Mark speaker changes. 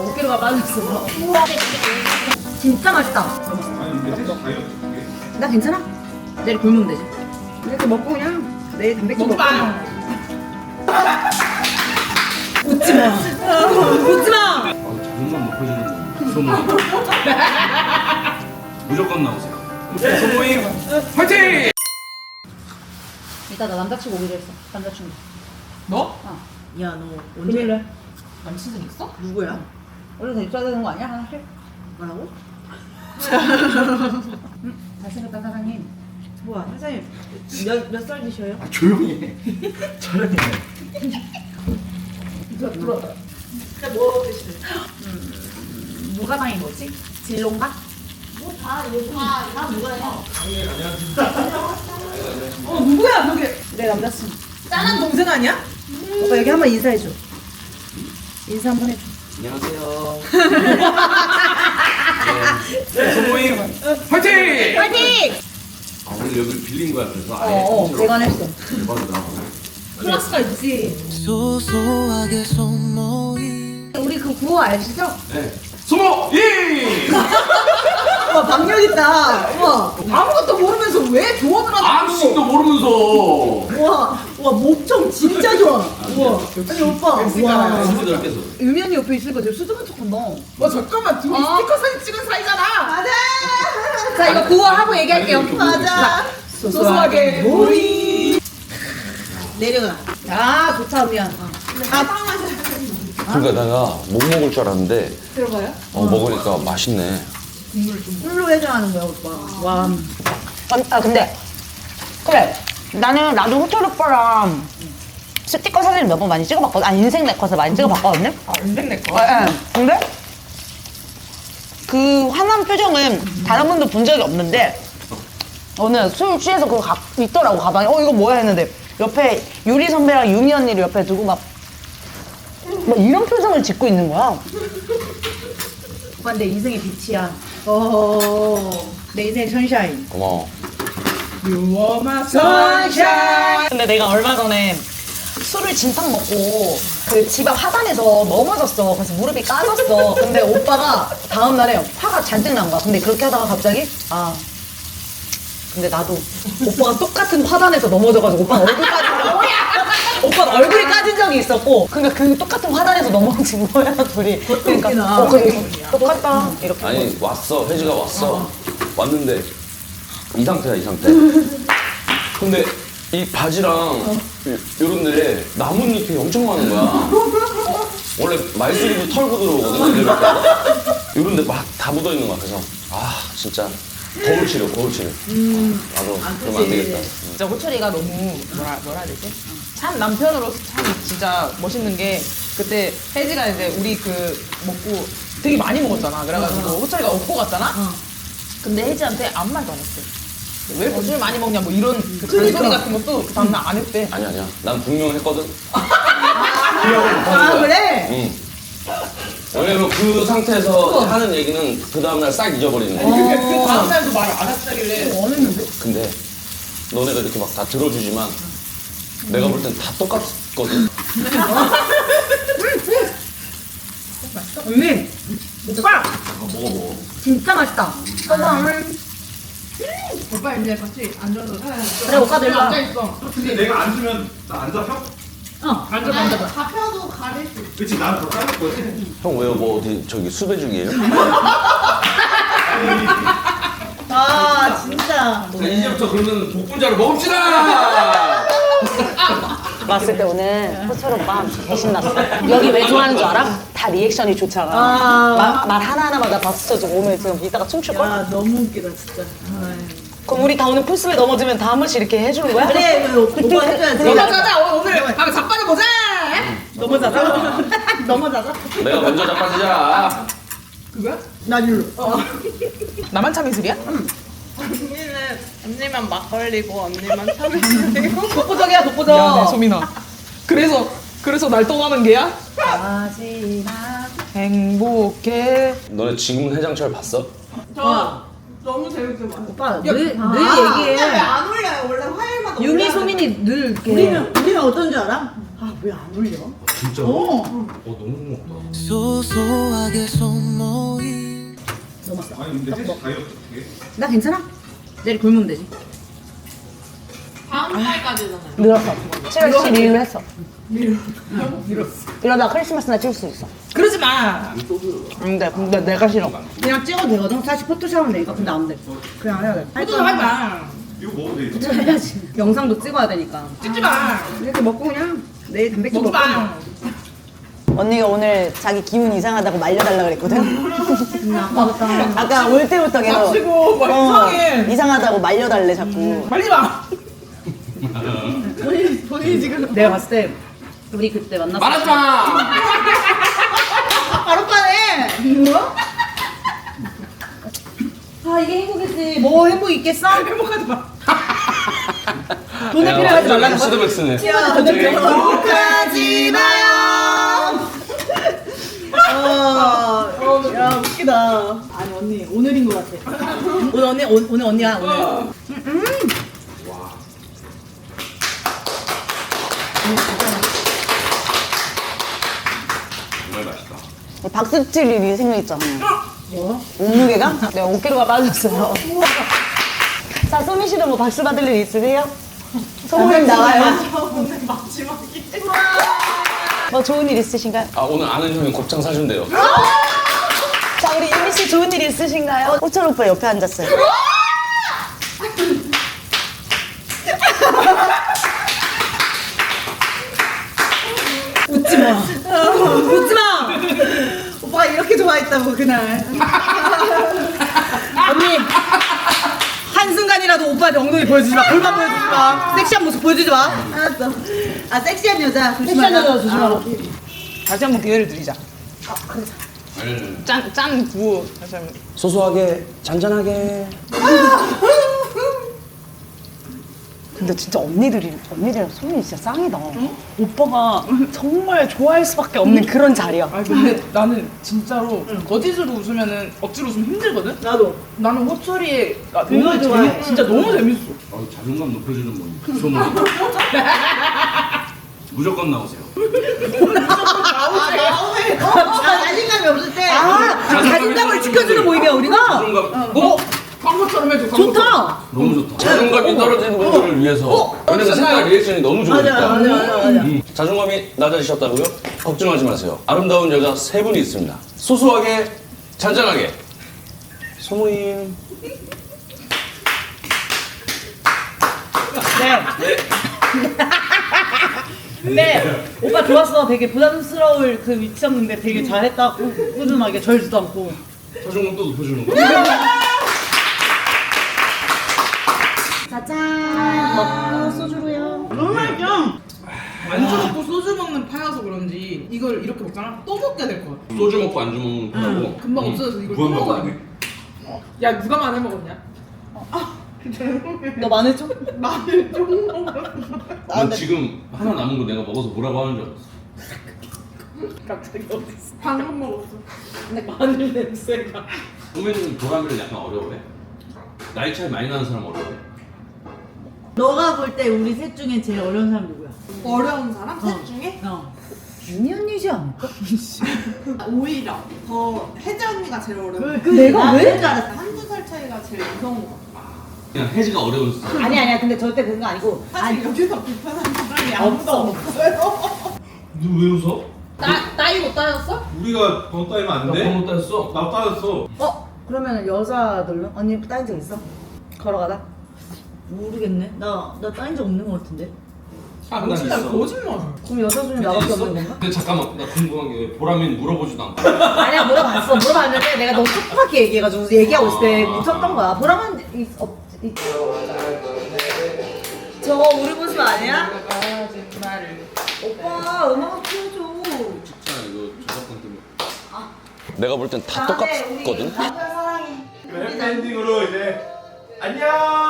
Speaker 1: 5kg가 빠졌어. 진짜 맛있다. 나 괜찮아? 내일 굶으면 되지.
Speaker 2: 이렇게 먹고 그냥 내일 단백질 먹고.
Speaker 1: 웃지 마. 웃지 마.
Speaker 3: 자존감 높아지는 소모임. 무조건 나오세요. 소모임 화이팅!
Speaker 1: 이따 나 남자친구 오기로 했어. 남자친구.
Speaker 4: 너?
Speaker 2: 야, 너 언제?
Speaker 1: 금일날.
Speaker 4: 남친은 있어?
Speaker 2: 누구야?
Speaker 1: 원래 다 있어야 되는 거 아니야? 하나씩?
Speaker 2: 뭐라고?
Speaker 1: 잘생겼다 사장님.
Speaker 2: 뭐야, 사장님 몇 살 드셔요?
Speaker 3: 조용히 해. 촬영해.
Speaker 2: 진짜 뭐 드시는?
Speaker 1: 무가방이 뭐지? 진롱가?
Speaker 2: 다 누가 해요?
Speaker 1: 누구야 그게? 내 남자친구.
Speaker 2: 짠한 동생 아니야? 오빠 여기 한번 인사해줘. 인사 한번 해줘.
Speaker 3: 안녕하세요. 네, 소모임 화이팅!
Speaker 1: 파이팅!
Speaker 3: 아, 오늘 여기 빌린 거야 그래서 아예 통째로.
Speaker 1: 대관했어.
Speaker 3: 대박이다.
Speaker 1: 클래스가 있지.
Speaker 5: 소소하게 손모임
Speaker 1: 우리 그 구호 아시죠?
Speaker 3: 네. 소모임!
Speaker 2: 와, 박력 있다. 우와. 아무것도 모르면서 왜 조언을 하냐고.
Speaker 3: 암식도 모르면서.
Speaker 2: 우와, 목청 진짜 좋아. 우와. 아니, 오빠. 와.
Speaker 3: 친구들께서.
Speaker 1: 유면이 옆에 있으니까 되게 수줍은 척한다.
Speaker 2: 와, 잠깐만. 둘이 스티커 사진 찍은 사이잖아. 맞아.
Speaker 1: 자 이거 구호 하고 얘기할게요.
Speaker 2: 맞아. 소소하게 모임. 내려가.
Speaker 1: 아 좋다 미안.
Speaker 6: 그러니까 내가 못 먹을 줄 알았는데
Speaker 1: 들어가요?
Speaker 6: 먹으니까 맛있네.
Speaker 2: 술로 해장하는 거야, 오빠. 와.
Speaker 7: 근데 그래 나도 호철 오빠랑 스티커 사진 몇 번 많이 찍어봤거든. 아 인생 네컷을 많이 찍어봤거든요.
Speaker 4: 인생 내 거.
Speaker 7: 근데 그 화난 표정은 다른 분도 본 적이 없는데 오늘 술 취해서 그거 있더라고 가방에. 이거 뭐야 했는데 옆에 유리 선배랑 유미 언니를 옆에 두고 막 이런 표정을 짓고 있는 거야.
Speaker 1: 오빠 내 인생의 빛이야. 내 인생의 선샤인.
Speaker 6: 고마워.
Speaker 7: 근데 내가 얼마 전에 술을 진탕 먹고 그 집 앞 화단에서 넘어졌어. 그래서 무릎이 까졌어. 근데 오빠가 다음 날에 화가 잔뜩 난 거야. 근데 그렇게 하다가 갑자기 근데 나도 오빠가 똑같은 화단에서 넘어져가지고 오빠 얼굴 까진 오빠 얼굴이 까진 적이 있었고 그러니까 그 똑같은 화단에서 넘어진 거야 둘이. 그러니까 똑같다 이렇게.
Speaker 6: 아니 왔어. 혜지가 왔어. 왔는데 이 상태야 이 상태. 근데 이 바지랑 요런 데 나뭇잎이 엄청 많은 거야. 원래 말수리도 털고 들어오거든. 요런 데 막 다 묻어 있는 거야. 그래서 진짜 거울 치료. 나도 그러면 안 되겠다.
Speaker 4: 진짜 호철이가 너무 뭐라 해야 되지? 참 남편으로서 참 진짜 멋있는 게 그때 혜지가 이제 우리 그 먹고 되게 많이 먹었잖아. 그래가지고 호철이가 업고 갔잖아. 근데 혜지한테 아무 말도 안 했대. 왜 이렇게 술 많이 먹냐 뭐 이런 그 잔소리 같은 것도 그 다음날 안 했대.
Speaker 6: 아니야. 난 분명했거든.
Speaker 2: 그래?
Speaker 6: 응. 왜냐면 그 상태에서 하는 얘기는 그 다음날 싹 잊어버리는 거야.
Speaker 4: 그 다음날도 말 안 했다길래
Speaker 6: 근데 너네가 이렇게 막 다 들어주지만 내가 볼 땐 다 똑같거든.
Speaker 1: 언니 오빠
Speaker 3: 먹어.
Speaker 1: 진짜 맛있다.
Speaker 4: 오빠 이제 같이 앉아서
Speaker 1: 그래 오빠 들와
Speaker 4: 앉아있어.
Speaker 3: 근데 내가 안 주면 나 안 잡혀?
Speaker 1: 앉아.
Speaker 2: 잡혀도 가릴 수 있어.
Speaker 3: 그치 나는 더 짜줄 거지.
Speaker 6: 형 왜요? 뭐 어디 저기 수배 중이에요?
Speaker 2: 진짜.
Speaker 3: 자 이제부터 그러면 복분자로 먹읍시다.
Speaker 7: 봤을 때 오늘 호철 오빠 개신났어. 여기 왜 좋아하는 줄 알아? 다 리액션이 좋잖아. 말 하나하나마다 박수 쳐주고 오늘 지금 이따가 춤출걸?
Speaker 2: 야, 너무 웃기다, 진짜.
Speaker 7: 그럼 우리 다 오늘 풀스에 넘어지면 다 한 번씩 이렇게 해주는 거야?
Speaker 2: 그래, 오빠 해줘야지.
Speaker 4: 넘어가자 오늘 가면 자빠져 보자.
Speaker 2: 넘어자자.
Speaker 6: 내가 먼저 자빠지자.
Speaker 2: 나 일로.
Speaker 4: 나만 참이슬이야?
Speaker 8: 언니만 막걸리고 언니만 참이슬이고
Speaker 2: 독보적이야, 독보적.
Speaker 4: 미안해 소민아. 그래서 날 떠나는 게야?
Speaker 1: 마지막.
Speaker 4: 행복해.
Speaker 6: 너네 지금 해장철 봤어?
Speaker 8: 저 너무 재밌게 봤어요.
Speaker 2: 오빠, 늘 얘기해.
Speaker 8: 왜안 올려요? 원래 화요일마다
Speaker 1: 유미
Speaker 8: 올려야
Speaker 1: 소민이 늘 이렇게.
Speaker 2: 우리는 어떤 줄 알아? 왜 안 울려?
Speaker 3: 진짜로? 너무 고맙다.
Speaker 5: 소소하게 손모임
Speaker 3: 아니 근데 혜지 다이어트 어떻게 해?
Speaker 2: 나 괜찮아. 내일 굶으면 되지.
Speaker 8: 다음 달까지잖아요.
Speaker 7: 늘었어. 7월 12일로 했어. 이러다 크리스마스 날 찍을 수 있어.
Speaker 2: 그러지 마.
Speaker 7: 근데 내가 싫어.
Speaker 2: 그냥 찍어도 되거든. 사실 포토샵 하면 되니까. 근데 안 돼. 그냥 해야 돼. 포토샵 하지 마.
Speaker 3: 이거 먹어도 돼.
Speaker 2: 해야지. 영상도 찍어야 되니까.
Speaker 8: 찍지 마.
Speaker 2: 이렇게 먹고 그냥 내일 단백질
Speaker 8: 먹지
Speaker 2: 먹고.
Speaker 8: 마.
Speaker 7: 언니가 오늘 자기 기분 이상하다고 말려달라 그랬거든.
Speaker 2: 아빠부터.
Speaker 7: 아까 올 때부터 계속
Speaker 8: 마치고 막 이상해.
Speaker 7: 이상하다고 말려달래 자꾸.
Speaker 8: 말리지 마.
Speaker 2: 본인이 지금. 내가 봤을 때 우리 그때 만났을 때.
Speaker 3: 말았잖아.
Speaker 2: 바로 빠네. 뭐야? 아 이게 행복이지. 뭐 행복 있겠어?
Speaker 8: 행복하지 마.
Speaker 2: 돈을 필요하지 말라는 거.
Speaker 6: 스드백스네.
Speaker 2: 행복하지 마요. 야 웃기다. 아니 언니 오늘인 것 같아. 오늘 언니야 오늘.
Speaker 3: 정말 맛있다.
Speaker 7: 박수 칠 일이 생겼잖아요. 뭐? 몸무게가? 네, 5kg가 빠졌어요. 자, 소미 씨도 뭐 박수 받을 일 있으세요? 소모임 나와요. 뭐 좋은 일 있으신가요?
Speaker 6: 아 오늘 아는 형이 곱창 사준대요.
Speaker 7: 자, 우리 유미 씨 좋은 일 있으신가요? 호철 오빠 옆에 앉았어요.
Speaker 2: 웃지 마. 웃지 마. 오빠가 이렇게 좋아했다고 그날. 언니 한순간이라도 오빠한테 엉덩이 보여주지 마. 골반 보여주지 마. 섹시한 모습 보여주지 마. 알았어. 아 섹시한 여자 조심하라. 섹시한 여자 조심하라.
Speaker 4: 다시 한번 기회를 드리자. 짠 구호 다시 한번.
Speaker 6: 소소하게 잔잔하게.
Speaker 7: 근데 진짜 언니들이랑 소민이 진짜 짱이다. 오빠가 정말 좋아할 수밖에 없는 그런 자리야.
Speaker 4: 아니 근데 나는 진짜로 거짓으로 웃으면은 억지로 웃으면 힘들거든?
Speaker 2: 나도.
Speaker 4: 나는 호철이가
Speaker 2: 너무
Speaker 4: 너무
Speaker 2: 좋아해.
Speaker 4: 재밌, 진짜 너무 재밌어.
Speaker 3: 자존감 높여주는 뭐 소문. 무조건 나오세요.
Speaker 2: 자신감이 없을 때. 자신감을 지켜주는 모임이야 우리가.
Speaker 3: 자존감.
Speaker 4: 광고처럼 해줘.
Speaker 2: 좋다.
Speaker 3: 너무 좋다.
Speaker 6: 자존감이 떨어지는 분들을 위해서. 왜냐면 색깔 리액션이 너무 좋으니까.
Speaker 2: 맞아.
Speaker 6: 자존감이 낮아지셨다고요? 걱정하지 마세요. 아름다운 여자 3분이 있습니다. 소소하게 잔잔하게. 소모임.
Speaker 2: 근데 오빠 좋았어. 되게 부담스러울 그 위치였는데 되게 잘했다. 꾸준하게 절지도 않고.
Speaker 3: 자존감 또 높여주는 거.
Speaker 2: 짜잔. 먹고 소주로요. 너무 맛있어.
Speaker 4: 안주 먹고 소주 먹는 파여서 그런지 이걸 이렇게 먹잖아? 또 먹게 될 것 같아.
Speaker 3: 소주 먹고 안주 먹는 거고.
Speaker 4: 금방 없어져서 이걸 또
Speaker 3: 무한
Speaker 4: 먹어야
Speaker 3: 먹어.
Speaker 4: 돼. 야 누가 마늘 먹었냐?
Speaker 2: 너 마늘 좀?
Speaker 4: 마늘 좀 먹어.
Speaker 3: 난 지금 하나 남은 거 내가 먹어서 뭐라고 하는 줄 알았어.
Speaker 4: 갑자기 어딨어? 방금 먹었어.
Speaker 2: 근데 마늘 냄새가.
Speaker 3: 소매는 도라미를 약간 어려워해? 나이 차이 많이 나는 사람 어려워해?
Speaker 2: 너가 볼 때 우리 셋 중에 제일 어려운 사람 누구야?
Speaker 8: 어려운 사람? 셋 중에?
Speaker 2: 윤희 언니지 않을까?
Speaker 8: 오히려 더 혜지 언니가 제일 어려워.
Speaker 2: 내가 왜?
Speaker 8: 줄 알았어. 한두 살 차이가 제일 무서운 것 같아.
Speaker 3: 그냥 혜지가 어려운 사람.
Speaker 2: 아니야. 근데 절대 그런 거 아니고.
Speaker 8: 사실 여기서 불편한 사람이 아무도 없어요.
Speaker 3: 너 왜 웃어?
Speaker 8: 나이 못 따졌어?
Speaker 9: 우리가 더 따이면 안
Speaker 3: 나
Speaker 9: 돼?
Speaker 3: 번호 따였어.
Speaker 9: 나 따였어.
Speaker 2: 그러면 여자들로? 언니 따인 적 있어? 걸어가다? 모르겠네. 나 따인 적 없는 거 같은데.
Speaker 3: 난
Speaker 4: 거짓말
Speaker 3: 있어.
Speaker 4: 거짓말.
Speaker 2: 그럼 여자 중에 나밖에
Speaker 3: 있어?
Speaker 2: 없는 건가?
Speaker 3: 근데 잠깐만 나 궁금한 게 보람이는 물어보지도 않고.
Speaker 2: 아니야 물어봤는데 내가 너무 촉촉하게 얘기해가지고 얘기하고 있을 때 묻혔던 거야. 보람은 저거 우리 모습 아니야?
Speaker 4: 거짓말을.
Speaker 2: 오빠 음악 틀어줘.
Speaker 3: 진짜 이거 저작권 때문에.
Speaker 6: 내가 볼 땐 다 똑같거든?
Speaker 2: 남편 사랑해.
Speaker 9: 해피엔딩으로 이제 안녕.